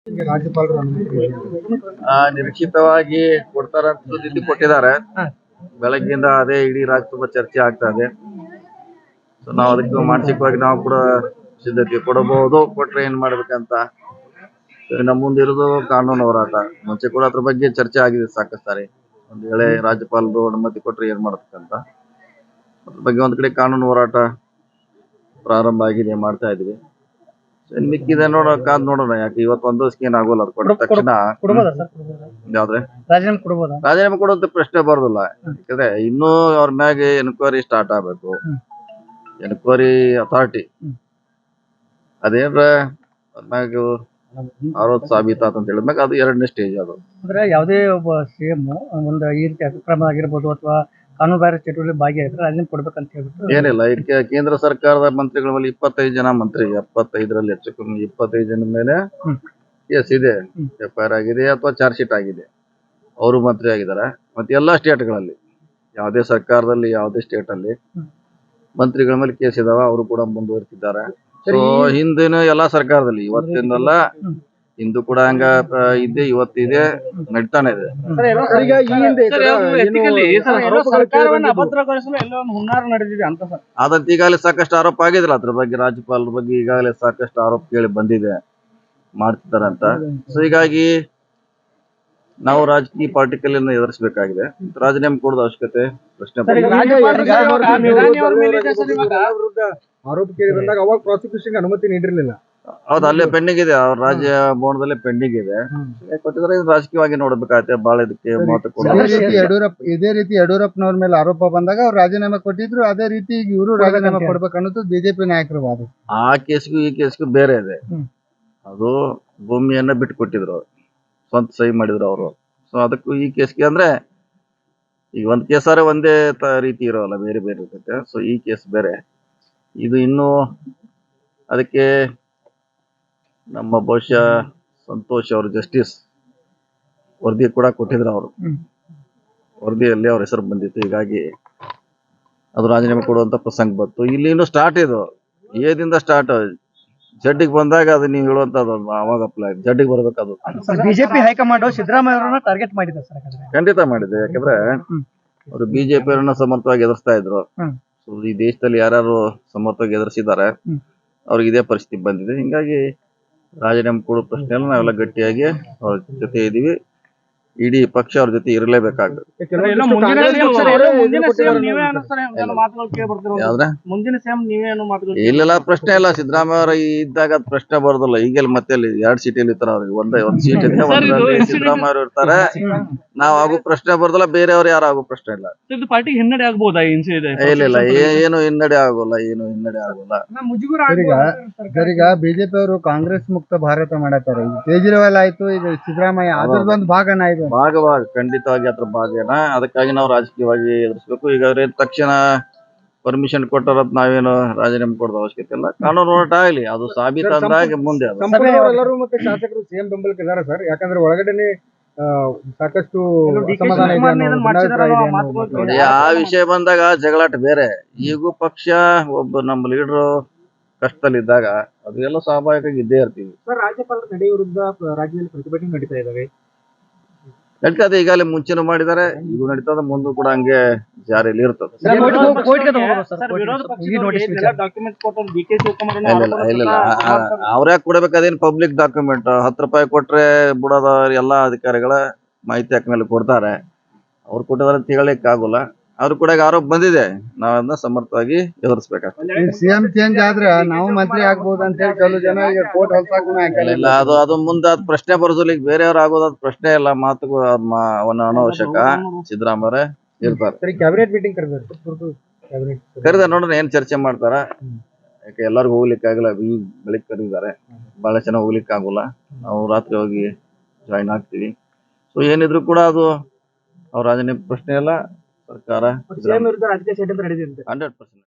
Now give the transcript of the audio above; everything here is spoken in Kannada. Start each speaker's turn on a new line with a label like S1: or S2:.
S1: ರಾಜ್ಯಪಾಲರು
S2: ನಿರೀಕ್ಷಿತವಾಗಿ ಕೊಡ್ತಾರಂತ ಸುದ್ದಿ ಕೊಟ್ಟಿದ್ದಾರೆ. ಬೆಳಗ್ಗಿಂದ ಅದೇ ಇಡೀ ರಾಜ್ಯ ತುಂಬಾ ಚರ್ಚೆ ಆಗ್ತಾ ಇದೆ. ಸೊ ನಾವು ಅದಕ್ಕೆ ಮಾನಸಿಕವಾಗಿ ನಾವು ಕೂಡ ಸಿದ್ಧತೆ ಕೊಡಬಹುದು. ಕೊಟ್ರೆ ಏನ್ ಮಾಡ್ಬೇಕಂತ ನಮ್ಮ ಮುಂದಿರೋದು ಕಾನೂನು ಹೋರಾಟ. ಮುಂಚೆ ಕೂಡ ಅದ್ರ ಬಗ್ಗೆ ಚರ್ಚೆ ಆಗಿದೆ ಸಾಕಷ್ಟು ಸಾರಿ. ಒಂದ್ ವೇಳೆ ರಾಜ್ಯಪಾಲರು ಅನುಮತಿ ಕೊಟ್ರೆ ಏನ್ ಮಾಡ್ಬೇಕಂತ ಅದ್ರ ಬಗ್ಗೆ ಒಂದ್ ಕಡೆ ಕಾನೂನು ಹೋರಾಟ ಪ್ರಾರಂಭ ಆಗಿದೆ, ಮಾಡ್ತಾ ಇದೀವಿ. ಮಿಕ್ಕಿದೆ ಕಾದ್ ನೋಡೋಣ. ಯಾಕೆ ಇವತ್ತು ಒಂದು ದಿವಸಕ್ಕೆ ಏನ್ ಆಗೋಲ್ಲ. ಅದು ಕೊಟ್ಟ ತಕ್ಷಣ ಯಾವ್ದ್ರೆ ರಾಜೀನಾಮೆ ಕೊಡುವಂತ ಪ್ರಶ್ನೆ ಬರೋದಿಲ್ಲ. ಯಾಕಂದ್ರೆ ಇನ್ನೂ ಅವ್ರ ಮ್ಯಾಗೆ ಎನ್ಕ್ವೈರಿ ಸ್ಟಾರ್ಟ್ ಆಗ್ಬೇಕು. ಎನ್ಕ್ವೈರಿ ಅಥಾರಿಟಿ ಅದೇನ್ರ ಅವ್ರ ಮ್ಯಾಗ ಆರೋಪ ಸಾಬೀತಾತ ಅಂತ ಹೇಳಿದ್ಮ್ಯಾಗ ಅದು 2ನೇ ಸ್ಟೇಜ್. ಅದು
S1: ಅಂದ್ರೆ ಯಾವುದೇ ಒಬ್ಬ ಸಿಎಂ ಒಂದು ಈ ರೀತಿ ಅಕ್ರಮ ಆಗಿರ್ಬೋದು ಅಥವಾ ಕಾನೂನು ಬಾಹಿರ ಚಟುವಟಿಕೆ ಭಾಗಿಯಾಗಿದ್ರೆ ರಾಜೀನಾಮೆ ಕೊಡ್ಬೇಕಂತ ಹೇಳ್ಬಿಟ್ಟು
S2: ಏನಿಲ್ಲ. ಇದಕ್ಕೆ ಕೇಂದ್ರ ಸರ್ಕಾರದ ಮಂತ್ರಿಗಳ ಮೇಲೆ 25 ಜನ ಮಂತ್ರಿ, 75ರಲ್ಲಿ ಹೆಚ್ಚು ಕಮ್ಮಿ 25 ಜನ ಮೇಲೆ ಕೇಸ್ ಇದೆ, FIR ಆಗಿದೆ ಅಥವಾ ಚಾರ್ಜ್ ಶೀಟ್ ಆಗಿದೆ. ಅವರು ಮಂತ್ರಿ ಆಗಿದ್ದಾರೆ. ಮತ್ತೆ ಎಲ್ಲಾ ಸ್ಟೇಟ್ಗಳಲ್ಲಿ ಯಾವುದೇ ಸರ್ಕಾರದಲ್ಲಿ ಯಾವುದೇ ಸ್ಟೇಟ್ ಅಲ್ಲಿ ಮಂತ್ರಿಗಳ ಮೇಲೆ ಕೇಸ್ ಇದಾವ. ಅವರು ಕೂಡ ಮುಂದುವರಿತಿದ್ದಾರೆ. ಸೊ ಹಿಂದಿನ ಎಲ್ಲಾ ಸರ್ಕಾರದಲ್ಲಿ ಇವತ್ತಿನಲ್ಲ ಹಿಂದೂ ಕೂಡ ಹಂಗ ಇದ್ದೆ, ಇವತ್ತಿದೆ, ನಡೀತಾನೆ ಇದೆ. ಆದಂತ ಈಗಾಗಲೇ ಸಾಕಷ್ಟು ಆರೋಪ ಆಗಿದ್ರಲ್ಲ ಅದ್ರ ಬಗ್ಗೆ. ರಾಜ್ಯಪಾಲರ ಬಗ್ಗೆ ಈಗಾಗಲೇ ಸಾಕಷ್ಟು ಆರೋಪ ಕೇಳಿ ಬಂದಿದೆ, ಮಾಡ್ತಿದ್ದಾರೆ ಅಂತ. ಸೊ ಹೀಗಾಗಿ ನಾವು ರಾಜಕೀಯ ಪಾರ್ಟಿಕಲ್ ಎದುರಿಸಬೇಕಾಗಿದೆ. ರಾಜೀನಾಮೆ ಕೊಡೋದ ಅವಶ್ಯಕತೆ ಪ್ರಶ್ನೆ
S1: ಆರೋಪ ಕೇಳಿ ಬಂದಾಗ ಅವಾಗ ಪ್ರಾಸಿಕ್ಯೂಷನ್ ಅನುಮತಿ ನೀಡಿರಲಿಲ್ಲ.
S2: ಹೌದು, ಅಲ್ಲೇ ಪೆಂಡಿಂಗ್ ಇದೆ. ಅವ್ರ ರಾಜ್ಯ ಭವನದಲ್ಲೇ ಪೆಂಡಿಂಗ್ ಇದೆ. ಕೊಟ್ಟಿದ್ರೆ ರಾಜಕೀಯವಾಗಿ ನೋಡ್ಬೇಕಾಗತ್ತೆ. ಬಹಳ ಇದಕ್ಕೆ
S1: ಇದೇ ರೀತಿ ಯಡಿಯೂರಪ್ಪನವ್ರ ಮೇಲೆ ಆರೋಪ ಬಂದಾಗ ಅವ್ರು ರಾಜೀನಾಮೆ ಕೊಟ್ಟಿದ್ರು. ಅದೇ ರೀತಿ ಇವರು ರಾಜೀನಾಮೆ ಕೊಡ್ಬೇಕು ಅನ್ನೋದು ಬಿಜೆಪಿ ನಾಯಕರು ವಾದ.
S2: ಆ ಕೇಸ್ಗೂ ಈ ಕೇಸ್ಗೂ ಬೇರೆ ಇದೆ. ಅದು ಭೂಮಿಯನ್ನ ಬಿಟ್ಟು ಕೊಟ್ಟಿದ್ರು, ಸ್ವಂತ ಸಹಿ ಮಾಡಿದ್ರು ಅವರು. ಸೊ ಅದಕ್ಕೂ ಈ ಕೇಸ್ಗೆ ಅಂದ್ರೆ ಈಗ ಒಂದ್ ಕೇಸಾರೆ ಒಂದೇ ರೀತಿ ಇರೋಲ್ಲ, ಬೇರೆ ಬೇರೆ ಇರ್ತೈತೆ. ಸೊ ಈ ಕೇಸ್ ಬೇರೆ, ಇದು ಇನ್ನೂ ಅದಕ್ಕೆ ನಮ್ಮ ಬಹುಶಃ ಸಂತೋಷ್ ಅವರು ಜಸ್ಟಿಸ್ ವರದಿ ಕೂಡ ಕೊಟ್ಟಿದ್ರು. ಅವರು ವರದಿಯಲ್ಲಿ ಅವ್ರ ಹೆಸರು ಬಂದಿತ್ತು. ಹೀಗಾಗಿ ಅದು ರಾಜೀನಾಮೆ ಕೊಡುವಂತ ಪ್ರಸಂಗ ಬಂತು. ಇಲ್ಲಿ ಇನ್ನು ಸ್ಟಾರ್ಟ್ ಇದು ಏದಿಂದ ಸ್ಟಾರ್ಟ್. ಜಡ್ಡಿಗೆ ಬಂದಾಗ ಅದು ನೀವು ಹೇಳುವಂತದ್ದು ಅವಾಗ ಅಪ್ಲೈ ಜಡ್ಡಿಗೆ ಬರ್ಬೇಕದು.
S1: ಬಿಜೆಪಿ ಹೈಕಮಾಂಡ್ ಸಿದ್ದರಾಮಯ್ಯ ಅವರನ್ನ ಟಾರ್ಗೆಟ್ ಮಾಡಿದೆ ಸರ್.
S2: ಖಂಡಿತ ಮಾಡಿದೆ. ಯಾಕಂದ್ರೆ ಅವರು ಬಿಜೆಪಿ ಅವರನ್ನ ಸಮರ್ಥವಾಗಿ ಎದುರಿಸ್ತಾ ಇದ್ರು. ಸೊ ಈ ದೇಶದಲ್ಲಿ ಯಾರು ಸಮರ್ಥವಾಗಿ ಎದುರಿಸಿದ್ದಾರೆ ಅವ್ರಿಗೆ ಇದೇ ಪರಿಸ್ಥಿತಿ ಬಂದಿದೆ. ಹಿಂಗಾಗಿ ರಾಜೀನಾಮೆ ಕೊಡೋ ಪ್ರಶ್ನೆಯಲ್ಲಿ ನಾವೆಲ್ಲ ಗಟ್ಟಿಯಾಗಿ ಅವ್ರ ಜೊತೆ ಇದೀವಿ. ಇಡೀ ಪಕ್ಷ ಅವ್ರ ಜೊತೆ ಇರಲೇಬೇಕಾಗ್ತದೆ. ಇಲ್ಲೆಲ್ಲ ಪ್ರಶ್ನೆ ಇಲ್ಲ. ಸಿದ್ದರಾಮಯ್ಯ ಅವರ ಇದ್ದಾಗ ಅದ್ ಪ್ರಶ್ನೆ ಬರೋದಿಲ್ಲ. ಈಗೆಲ್ಲ ಮತ್ತೆ 2 ಸೀಟಲ್ಲಿ ಇರ್ತಾರ. ಅವ್ರಿಗೆ ಒಂದ್ ಸೀಟ್ ಇದೆ, ಒಂದ್ರಲ್ಲಿ ಸಿದ್ದರಾಮಯ್ಯ ಅವರು ಇರ್ತಾರೆ. ನಾವ್ ಆಗೋ ಪ್ರಶ್ನೆ ಬರೋದಿಲ್ಲ, ಬೇರೆಯವ್ರು ಯಾರು ಆಗೋ ಪ್ರಶ್ನೆ ಇಲ್ಲ.
S3: ಪಾರ್ಟಿಗೆ ಹಿನ್ನಡೆ ಆಗ್ಬೋದಾ?
S2: ಇಲ್ಲ, ಏನು ಹಿನ್ನಡೆ ಆಗೋಲ್ಲ, ಏನು ಹಿನ್ನಡೆ ಆಗೋಲ್ಲ.
S1: ಈಗ ಬಿಜೆಪಿ ಅವರು ಕಾಂಗ್ರೆಸ್ ಮುಕ್ತ ಭಾರತ ಮಾಡತಾರೆ. ಕೇಜ್ರಿವಾಲ್ ಆಯ್ತು, ಈಗ ಸಿದ್ದರಾಮಯ್ಯ ಅದ್ರದೊಂದು ಭಾಗನ ಇದು.
S2: ಭಾಗ ಖಂಡಿತವಾಗಿ ಅದ್ರ ಭಾಗನ. ಅದಕ್ಕಾಗಿ ನಾವು ರಾಜಕೀಯವಾಗಿ ಎದುರಿಸ್ಬೇಕು. ಈಗ ತಕ್ಷಣ ಪರ್ಮಿಷನ್ ಕೊಟ್ಟರತ್ ನಾವೇನು ರಾಜೀನಾಮೆ ಕೊಡೋದ ಅವಶ್ಯಕತೆ ಇಲ್ಲ. ಕಾನೂನು ಹೋರಾಟ ಆಗಲಿ, ಅದು ಸಾಬೀತಾಗಿ ಮುಂದೆ
S1: ಎಲ್ಲರೂ ಮತ್ತೆ ಶಾಸಕರು ಸಿಎಂ ಬೆಂಬಲಕ್ಕೆ ಇದ್ದಾರೆ ಸರ್. ಯಾಕಂದ್ರೆ ಒಳಗಡೆನೆ ಸಾಕಷ್ಟು
S2: ನೋಡಿ, ಆ ವಿಷಯ ಬಂದಾಗ ಜಗಳಾಟ ಬೇರೆ. ಈಗೂ ಪಕ್ಷ ಒಬ್ಬ ನಮ್ಮ ಲೀಡರ್ ಕಷ್ಟದಲ್ಲಿದ್ದಾಗ ಅದು ಎಲ್ಲ ಸ್ವಾಭಾವಿಕವಾಗಿ ಇದ್ದೇ ಇರ್ತೀವಿ.
S1: ರಾಜ್ಯಪಾಲರ ನಡೆ ವಿರುದ್ಧ ರಾಜ್ಯದಲ್ಲಿ ಪ್ರತಿಭಟನೆ ನಡೀತಾ ಇದಾವೆ.
S2: ನಡೀತದೆ. ಈಗಾಗಲೇ ಮುಂಚೆನೂ ಮಾಡಿದ್ದಾರೆ, ಈಗ ನಡೀತದ, ಮುಂದೂ ಕೂಡ ಹಂಗೆ ಜಾರಿಯಲ್ಲಿ ಇರ್ತದೆ. ಇಲ್ಲ, ಅವ್ರ್ಯಾಕೆ ಕೊಡ್ಬೇಕು? ಅದೇನು ಪಬ್ಲಿಕ್ ಡಾಕ್ಯುಮೆಂಟ್. 10 ರೂಪಾಯಿ ಕೊಟ್ರೆ ಬಿಡೋದ ಎಲ್ಲಾ ಅಧಿಕಾರಿಗಳ ಮಾಹಿತಿ ಹಾಕ್ಮೇಲೆ ಕೊಡ್ತಾರೆ. ಅವ್ರು ಕೊಟ್ಟಿದಾರೆ ಅಂತ ಹೇಳಲಿಕ್ಕೆ ಆಗೋಲ್ಲ. ಅವ್ರು ಕೂಡ ಆರೋಪ ಬಂದಿದೆ, ನಾವನ್ನ ಸಮರ್ಥವಾಗಿ ಎದುರಿಸಬೇಕಾಗ್ತದೆ.
S1: ಸಿಎಂ ಚೇಂಜ್ ಆದ್ರೆ ನಾವು ಮಂತ್ರಿ ಆಗ್ಬಹುದು ಅಂತ ಹೇಳಿ ಕೆಲವು ಜನ
S2: ಇಲ್ಲ, ಅದು ಮುಂದೆ ಅದ್ ಪ್ರಶ್ನೆ ಬರೋದಿಲ್ಲ. ಈಗ ಬೇರೆಯವ್ರು ಆಗೋದ್ ಪ್ರಶ್ನೆ ಇಲ್ಲ. ಮಾತುಗೂ ಅವನ ಅನವಶ್ಯಕ. ಸಿದ್ದರಾಮಯ್ಯ ಇರ್ತಾರೆ.
S1: ಕ್ಯಾಬಿನೆಟ್ ಮೀಟಿಂಗ್
S2: ಕರೆದ ನೋಡೋಣ ಏನ್ ಚರ್ಚೆ ಮಾಡ್ತಾರ. ಯಾಕೆ ಎಲ್ಲರಿಗೂ ಹೋಗ್ಲಿಕ್ಕೆ ಆಗಲ್ಲ. ಈಗ ಬೆಳಿಗ್ಗೆ ಕರೆದಿದ್ದಾರೆ, ಬಹಳ ಚೆನ್ನಾಗಿ ಹೋಗ್ಲಿಕ್ಕೆ ಆಗೋಲ್ಲ. ನಾವು ರಾತ್ರಿ ಹೋಗಿ ಜಾಯಿನ್ ಆಗ್ತೀವಿ. ಸೊ ಏನಿದ್ರು ಕೂಡ ಅದು ಅವ್ರ ರಾಜೀನಾಮೆ ಪ್ರಶ್ನೆ ಇಲ್ಲ. ಸರ್ಕಾರ 100%